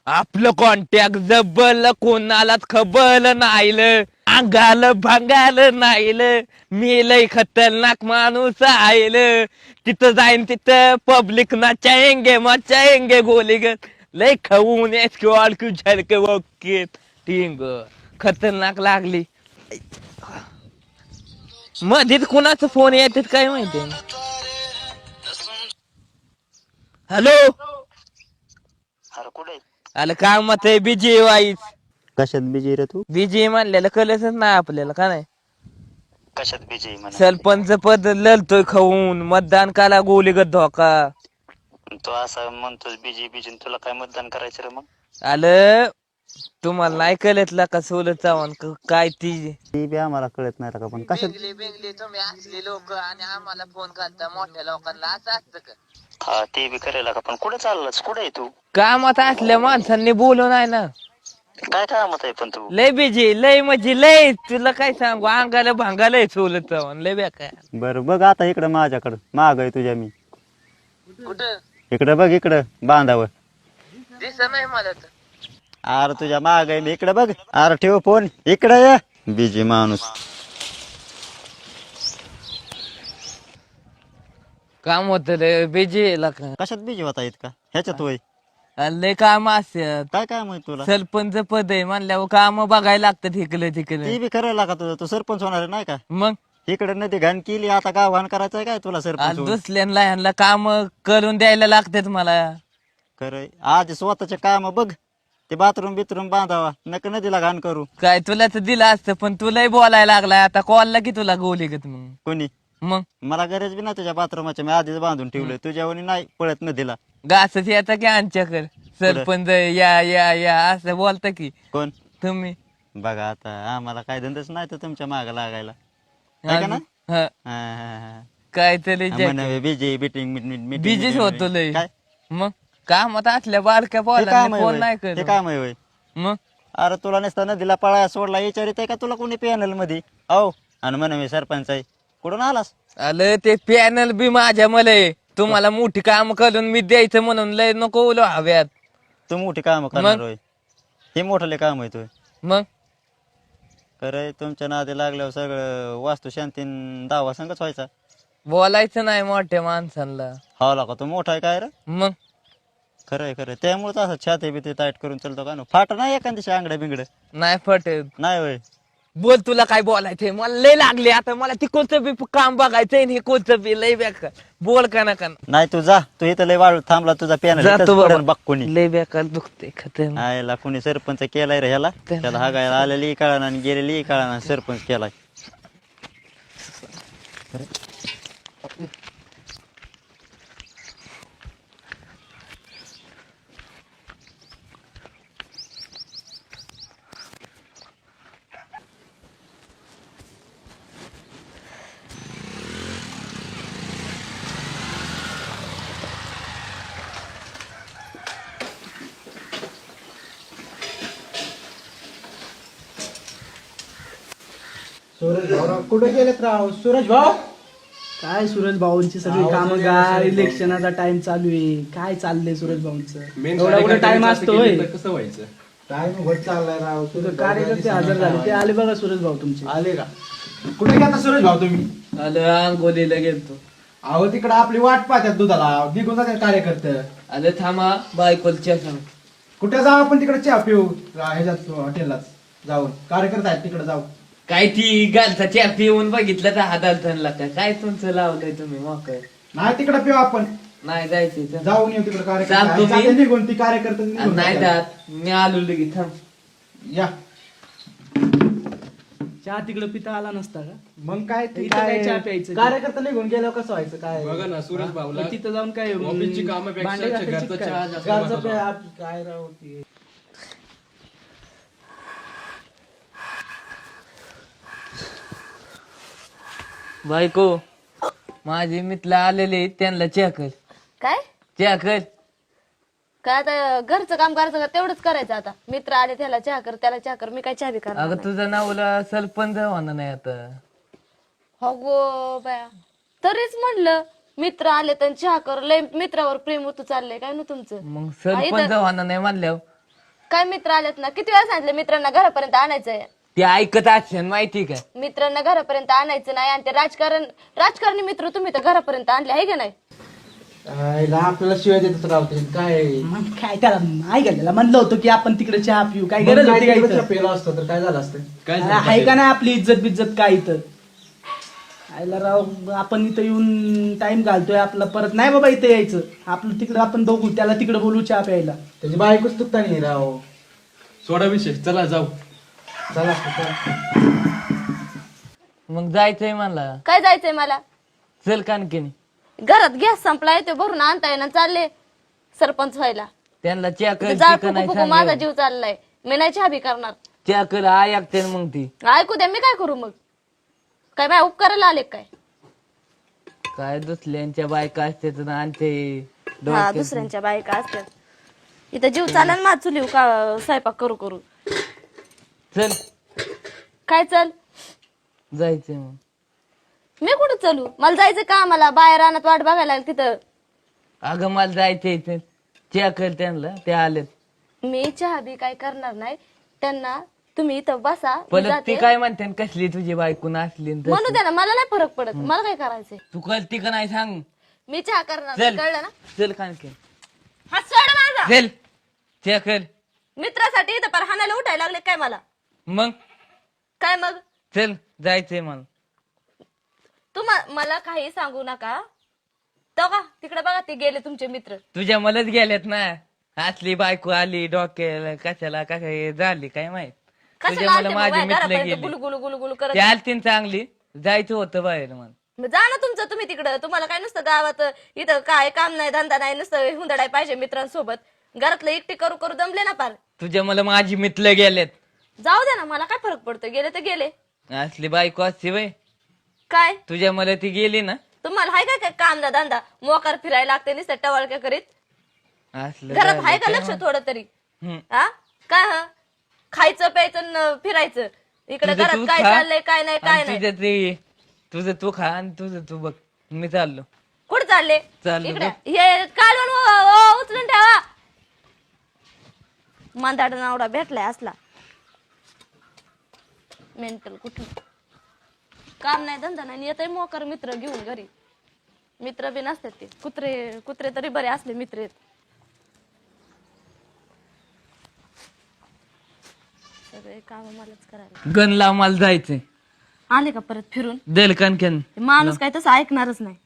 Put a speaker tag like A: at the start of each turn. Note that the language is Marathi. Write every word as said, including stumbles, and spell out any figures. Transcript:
A: आपलं कॉन्टॅक्ट जबल कोणालाच खबल नाहील अंगाल भांगाल नाहील मी लय खतरनाक माणूस आईल तिथं जाईन तिथं पब्लिक नाचाएंगे मचाएंगे गोली ग लय खाऊन स्क्वॉड झलके ओके टिंग खतरनाक लागली मध्येच कुणाचा फोन येतात काय माहिती. हॅलो
B: अरे कुठे
A: आलं काम मत आहे बिजी वाईस
B: कशात बिजी रे तू?
A: बिजी म्हणलेलं कळलंच नाही आपल्याला का नाही.
B: कशात बिजी म्हणा
A: सरपंच पद लढतोय खाऊन मतदान काला गोलीगत धोका
B: तू असं म्हणतोस बिजी बिजी तुला काय मतदान करायचं रे मग?
A: आलं तुम्हाला नाही कळतला का सोलत चव्हाण काय ती
B: ती बी आम्हाला कळत नाही का पण कशात
A: बेंगली बेंगली तुम्ही असले लोक आणि आम्हाला फोन करता मोठ्या लोकांना असं असतं का.
B: हा ते बी करायला का पण कुठे चाललास कुठे आहे तू?
A: कामात असल्या माणसांनी बोलू नाही ना.
B: काय कामात आहे पण तू?
A: लय बिजी लय म्हणजे लय तुला काय सांगू अंगाला भांगालय सोलत चव्हाण लय बेकार.
B: बरं बघ आता इकडं माझ्याकडं माग आहे तुझ्या मी
A: कुठं
B: इकडं बघ इकडं बांधावर
A: दिसत नाही मला तर.
B: अरे तुझ्या माग आहे मी इकडं बघ अरे ठेव फोन इकडं ये बिजी माणूस.
A: काम होत लय बिजी का
B: कशात बिजी होता इतका ह्याच्यात होय
A: लय काम असतात.
B: काय काय माहित तुला?
A: सरपंच पद आहे म्हणल्यावर काम बघायला लागतात इकडे तिकडे.
B: ती बी करायला का तुझं तू सरपंच होणार आहे नाही का?
A: मग
B: इकडे नदी घाण केली आता गाव घाण करायचंय काय तुला सरपंच होऊन?
A: दुसऱ्यांना ह्यांना काम करून द्यायला लागतात मला.
B: खरंय आज स्वतःचे काम बघ ते बाथरूम बिथरूम बांधावा नका नदीला घाण करू.
A: काय तुला तर दिलं असतं पण तुलाही बोलायला लागलाय आता कॉलला की तुला गोली गत मग.
B: कोणी
A: मग
B: मला गरज बी ना तुझ्या बाथरूमाच्या मी आधीच बांधून ठेवलंय तुझ्यावणी नाही पळत नदीला.
A: घासच येता की आमच्याकडे सरपंच या या या असं बोलता की
B: कोण
A: तुम्ही.
B: बघा आता आम्हाला काय धंदाच नाही तर तुमच्या माग लागायला है का ना?
A: हा,
B: हा, हा, हा.
A: काय तरी
B: म्हणे बिजी बिटिंग
A: बिजीच होतो लय.
B: काय
A: मग कामात असल्या बारक्या
B: हे
A: बोला
B: काम आहे
A: फोन
B: होय?
A: नाही
B: हे
A: करत
B: काम आहे होय?
A: मग.
B: अरे तुला नसता नदीला पळाया सोडला विचारित आहे का तुला कोणी पॅनल मध्ये हो आणि म्हणे मी सरपंच आहे कुठून आलास?
A: आलं ते पॅनल बी माझ्या मला तुम्हाला मोठी काम करून मी द्यायचं म्हणून लय नको बोलू हव्यात.
B: तू मोठी काम करणार होय हे मोठले काम आहे तुय
A: मग
B: खरंय तुमच्या नादी लागल्यावर सगळं वास्तू शांतीन दावा संगच व्हायचा.
A: बोलायचं नाही मोठ्या माणसांना.
B: हा का तू मोठा आहे काय रे?
A: मग
B: खरंय खरं त्यामुळेच असं छाती बिती टाईट करून चालतो का ना फाट नाही एखाद्याशी आंगड्या बिंगड
A: नाही पटत.
B: नाही होय
A: बोल तुला काय बोलायचंय मला लय लागले आता मला ती कोणतं बी काम बघायचंय हे कोणतं बी लय बेकार बोल का ना का
B: नाही तू जा तू इथं लय वाळू थांबला तुझा
A: जातो बाबा.
B: पॅनल बघ कोणी
A: लय बेकार दुखते खतर.
B: आयला कोणी सरपंच केलाय रे ह्याला त्याला हागायला आलेली कळाना आणि गेलेली कळाना सरपंच केलाय.
C: सूरज भाऊ कुठे गेलेत राव? सूरज भाऊ काय सूरज भाऊंची सगळी कामं गार इलेक्शनाचा टाइम चालू आहे. काय चाललंय सूरज भाऊंचं? एवढा कुठे टाइम असतो होय?
D: कसं व्हायचं?
C: टाइम होत चाललाय राव. तुझं कार्यकर्ते हजर झाले ते आले बघा सूरज भाऊ तुमचे. आले का? कुठे गेला सूरज भाऊ तुम्ही?
A: आलं आंघोलीला गेलतो.
C: अहो तिकडे आपली वाट पाहतात दुधाला निघून जातात कार्यकर्ते.
A: आलं थांबा बायकोलच्या सांग.
C: कुठे जाऊ आपण तिकडे चहा पिऊ ह्याच्यात हॉटेललाच जाऊन कार्यकर्ते आहेत तिकडे जाऊ.
A: काय ती गालचा चहा पिऊन बघितलं तर हाताला का काय तुमचं लावलंय तुम्ही मोकळ.
C: नाही तिकडे पिऊ आपण
A: नाही जायचंय तर.
C: जाऊन येऊ तिकडे
A: चालतो
C: कार्यकर्ते
A: मी.
C: जाते निघून ती कार्यकर्ते निघून
A: नाही
C: जातात.
A: जात मी आलो लगेच थांब.
C: या
E: चहा तिकडे पिता आला नसता का?
C: मग काय ते
E: इथं काय चहा प्यायचं?
C: कार्यकर्ता निघून गेल्यावर कसं व्हायचं काय?
D: बघा ना सूरज भाऊला
E: मग तिथं जाऊन काय
D: ऑफिसची कामापेक्षा
E: भांडे घासायची
D: घरचा
E: काय?
D: चहा जास्त
C: घरचं
D: महत्त्वाचा.
C: पे- आप- काय राव ते.
A: बायको माझे मित्र आलेले त्यांना चहा कर.
F: काय
A: चहा कर.
F: काय आता घरचं काम करायचं का तेवढंच करायचं आता. मित्र आले त्याला चहा कर त्याला चहा कर मी काय चहा बी करणार
A: अगं
F: नाही.
A: तुझं नावला सरपंच होणार नाही आता.
F: हो गो बाया तरीच म्हणलं मित्र आले तर चहा कर लय मित्रावर प्रेम होतं चाललंय काय ना तुमचं.
A: मग सरपंच होणार नाही म्हणल्यावर
F: काय मित्र आलेत ना, किती वेळा सांगितलं मित्रांना घरापर्यंत आणायचंय.
A: ते ऐकत असेल माहिती का?
F: मित्रांना घरापर्यंत आणायचं नाही आणि ते राजकारण राजकारणी मित्र तुम्ही तर घरापर्यंत आणले आहे का नाही.
C: आईला आपल्याला शिवाय देतात राहते काय मग काय त्याला नाही गेलेला म्हणलं होतं की आपण तिकडे चहा पिऊ काय गरज होती काय इथं?
E: पेला असतो तर काय झालं असतं?
C: अरे, आहे का नाही आपली इज्जत बिज्जत काय इथं? आईला राव आपण इथं येऊन टाइम घालतोय आपला, परत नाही बाबा इथं यायचं आपलं, तिकडं आपण बघू त्याला तिकडे बोलू चहा प्यायला.
E: त्याची बायकोच तुकता नाही राव. सोडा विषय, चला जाऊ.
C: चला
A: मग जायचंय मला.
F: काय जायचंय मला?
A: चल कानकिनी.
F: घरात गॅस संपलाय ते भरून आणता येईना, चालले सरपंच व्हायला.
A: त्यांना चहा कर
F: जाळ
A: चिकन
F: फुकू फुकू माझा जीव चाललाय, मी नाही चहा बी करणार.
A: चहा कर आय ऐकते मग ती
F: ऐकू द्या, मी काय करू मग? काय बाय उपकाराला आले काय?
A: काय दुसऱ्यांच्या बायका असते तर आणते
F: हा
A: डोक्यात.
F: दुसऱ्यांच्या बायका असतात. इथं जीव चालेल माझ चुलीव का स्वयंपाक करू करू.
A: चल
F: काय चल?
A: जायचंय मग.
F: मी कुठं चलू? मला जायचं का? मला बाहेर रानात वाट बघायला लागली तिथं.
A: अगं मला जायचंय इथे. चहा कर त्यांना, ते आलेत.
F: मी चहा बी काय करणार नाही त्यांना. तुम्ही इथं बसा, मी
A: परत ती
F: जाते.
A: काय म्हणते कसली तुझी बायकून असली न तसली.
F: म्हणू द्या ना, मला नाही फरक पडत. मला काय करायचंय?
A: तू करती का नाही सांग.
F: मी चहा करणार नाही,
A: चल
F: कळलं ना?
A: चल कानकी.
F: हा सोड माझा.
A: चल चहा कर.
F: मित्रासाठी इथं पर हाणायला उठायला लागले काय मला?
A: मग
F: काय मग?
A: चल जायचंय मला.
F: तुम्हा मला काही सांगू नका. तो का तिकडे बघा, ते गेले तुमचे मित्र.
A: तुझ्या मलाच गेल्यात ना. असली बायको आली डोक्याला कशाला काय झाली काय माहित.
F: कशाला
A: तुझ्या मला
F: आलते मग
A: माझी
F: बाहेर
A: मित्र
F: घरापर्यंत
A: गेली.
F: गुलू गुलू गुलू गुलू करत?
A: ती आलती न चांगली, जायचं होतं बाहेर मला.
F: मग जा ना तुमचं तुम्ही तिकडं. तुम्हाला काय नुसतं गावात इथं काय काम नाही धंदा नाही, नुसतं हुंदडाय पाहिजे मित्रांसोबत. घरातलं एकटी करू करू दमले ना पार.
A: तुझ्या मला माझी मित्र गेलेत.
F: जाऊ दे ना, मला काय फरक पडतो? गेले तर गेले.
A: असली बायको असते बाई.
F: काय
A: तुझ्या मला ती गेली ना.
F: तुम्हाला हाय काय काय काम ना धंदा? मोकार फिरायला लागते नुसतं टवाळक्या करीत.
A: असलं
F: घरात
A: झालं
F: हाय का
A: काय
F: लक्ष थोडं तरी?
A: हम्म.
F: हा काय हा खायचं प्यायचं न फिरायचं. इकडे
A: तुझं
F: घरात
A: तू
F: काय
A: खा,
F: चाललंय काय नाही काय
A: आणि
F: नाही.
A: तुझं ते तुझं तू खा आणि तुझं तू बघ. मी चाललो.
F: कुठं चालले?
A: चाललो
F: इकडे हे काढून उ- उ- उचलून ठेवा. मांदाड नावडा भेटलाय असला मेंटल. कुठलं काम नाही धंदा नाही, येतय मोकर मित्र घेऊन घरी. मित्र बी नसतात ते कुत्रे. कुत्रे तरी बरे असले मित्र आहेत. सगळे काम मलाच करायला.
A: गण लाव मला जायचंय.
F: आले का परत फिरून?
A: दल कणकन.
F: ते माणूस काय तसं ऐकणारच नाही.